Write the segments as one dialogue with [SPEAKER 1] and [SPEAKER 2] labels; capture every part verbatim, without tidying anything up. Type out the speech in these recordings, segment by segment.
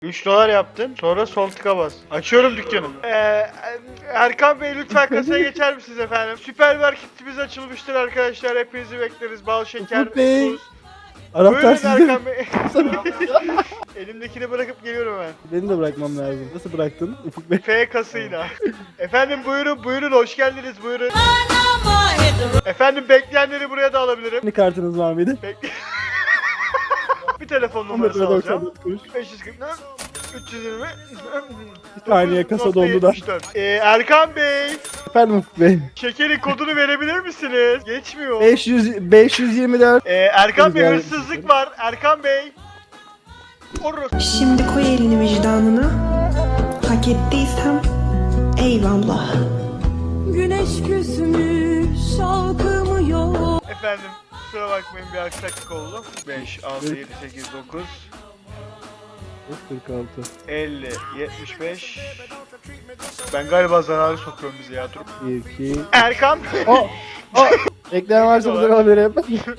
[SPEAKER 1] üç dolar yaptın. Sonra sol tıka bas. Açıyorum dükkanı. Ee, Erkan Bey lütfen kasaya geçer misiniz efendim? Süpermarketimiz açılmıştır arkadaşlar. Hepinizi bekleriz. Bal, şeker,
[SPEAKER 2] Ufuk Bey.
[SPEAKER 1] tuz.
[SPEAKER 2] Anahtar
[SPEAKER 1] Buyurun
[SPEAKER 2] sizde.
[SPEAKER 1] Erkan Bey. Elimdekini bırakıp geliyorum hemen.
[SPEAKER 2] Beni de bırakmam lazım. Nasıl bıraktın Ufuk Bey?
[SPEAKER 1] F kasıyla. Efendim buyurun buyurun hoş geldiniz buyurun. Efendim bekleyenleri buraya da alabilirim.
[SPEAKER 2] Ne kartınız var mıydı?
[SPEAKER 1] Bekle. Bir telefon
[SPEAKER 2] on
[SPEAKER 1] numarası
[SPEAKER 2] doksan
[SPEAKER 1] alacağım.
[SPEAKER 2] dört kuruş.
[SPEAKER 1] beş yüz kırk üç yüz yirmi
[SPEAKER 2] Bir saniye kasa dondu da.
[SPEAKER 1] Ee, Erkan Bey,
[SPEAKER 2] Efendim Ufuk Bey.
[SPEAKER 1] şekerin kodunu verebilir misiniz? Geçmiyor.
[SPEAKER 2] beş yüz beş yüz yirmi dört.
[SPEAKER 1] Ee, Erkan Bey
[SPEAKER 2] Güzel.
[SPEAKER 1] hırsızlık var. Erkan Bey. Orası.
[SPEAKER 3] Şimdi koy elini vicdanına. Hak ettiysem eyvallah. Güneş küsmüş şalkımı yok.
[SPEAKER 1] Efendim kusura bakmayın bir aksaklık oldu. beş, altı, yedi, sekiz, dokuz,
[SPEAKER 2] kırk altı.
[SPEAKER 1] elli, yetmiş beş. Ben galiba zararı sokuyorum bize ya dur.
[SPEAKER 2] bir iki.
[SPEAKER 1] Erkan.
[SPEAKER 2] Oh! Oh! Ekleyen varsa burada kalabilirim.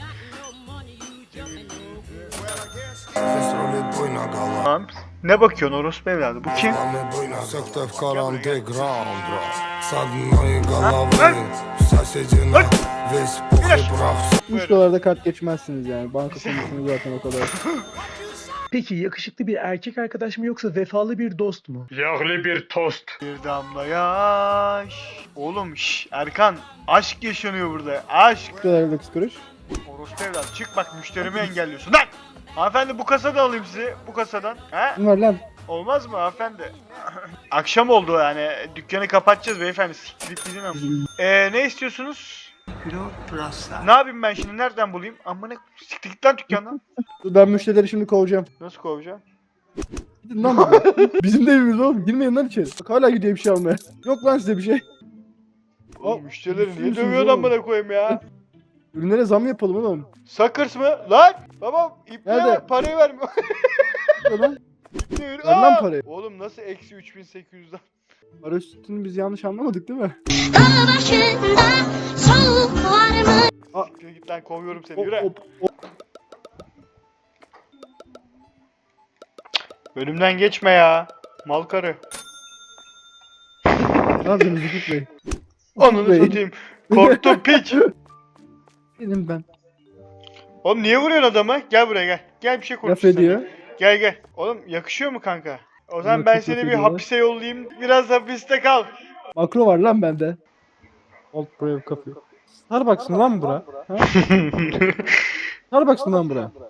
[SPEAKER 1] Tamam. Ne bakıyorsun orospu evladı? Bu kim?
[SPEAKER 4] Sekte в underground, Sadnayı galavri Saçecina Весь пух и прах
[SPEAKER 2] üç dolarda kart geçmezsiniz yani. Banka komisyonu zaten o kadar.
[SPEAKER 5] Peki yakışıklı bir erkek arkadaş mı yoksa vefalı bir dost mu?
[SPEAKER 1] Yağlı bir tost. Bir damla yaş. Oğlum şş, Erkan aşk yaşanıyor burada. Aşk.
[SPEAKER 2] üç dolar dokuz kuruş.
[SPEAKER 1] Orospu evladı çık bak müşterimi engelliyorsun. Lan! Hanımefendi bu kasadan alayım sizi. Bu kasadan. He?
[SPEAKER 2] Ne var lan?
[SPEAKER 1] Olmaz mı hanımefendi? Akşam oldu yani. Dükkanı kapatacağız beyefendi. Siktirip gidin ama. Eee ne istiyorsunuz? Ne yapayım ben şimdi? Nereden bulayım? Amına siktir git lan dükkandan.
[SPEAKER 2] Dur ben müşterileri şimdi kovacağım.
[SPEAKER 1] Nasıl kovacağım?
[SPEAKER 2] Gidin lan buradan. Bizim de evimiz oğlum. Girmeyin lan içeri. Bak hala gidiyor bir şey almaya. Yok lan size bir şey.
[SPEAKER 1] Oğlum müşterileri niye
[SPEAKER 2] Üzülüyorsunuz
[SPEAKER 1] dövüyorsun
[SPEAKER 2] oğlum.
[SPEAKER 1] amına koyayım ya?
[SPEAKER 2] Ürünlere zam yapalım oğlum.
[SPEAKER 1] Sakırs mı? Lan! Babam iple
[SPEAKER 2] Nerede?
[SPEAKER 1] var parayı vermiyor.
[SPEAKER 2] Ne lan?
[SPEAKER 1] İple ver.
[SPEAKER 2] Ver lan
[SPEAKER 1] Aa!
[SPEAKER 2] parayı.
[SPEAKER 1] Oğlum nasıl eksi üç bin sekiz yüzden?
[SPEAKER 2] Para üstünü biz yanlış anlamadık değil mi?
[SPEAKER 1] Siktir git lan kovuyorum seni
[SPEAKER 2] Hop
[SPEAKER 1] yürü.
[SPEAKER 2] hop hop.
[SPEAKER 1] Bölümden geçme ya. Mal karı.
[SPEAKER 2] Ne yapıyorsunuz Ufuk Bey?
[SPEAKER 1] Ananı
[SPEAKER 2] Bey.
[SPEAKER 1] satayım. Korktum piç.
[SPEAKER 2] Benim ben.
[SPEAKER 1] Oğlum niye vuruyorsun adamı? Gel buraya gel. Gel bir şey
[SPEAKER 2] Laf
[SPEAKER 1] konuşalım.
[SPEAKER 2] ediyor.
[SPEAKER 1] Gel gel. Oğlum yakışıyor mu kanka? O zaman
[SPEAKER 2] Yok,
[SPEAKER 1] ben
[SPEAKER 2] çok
[SPEAKER 1] seni
[SPEAKER 2] laf
[SPEAKER 1] bir
[SPEAKER 2] ediyorlar.
[SPEAKER 1] hapise yollayayım. Biraz hapiste kal.
[SPEAKER 2] Makro var lan bende. Old Brave kapıyor. Starbucks mı lan bura? Ha? Starbucks mı lan bura?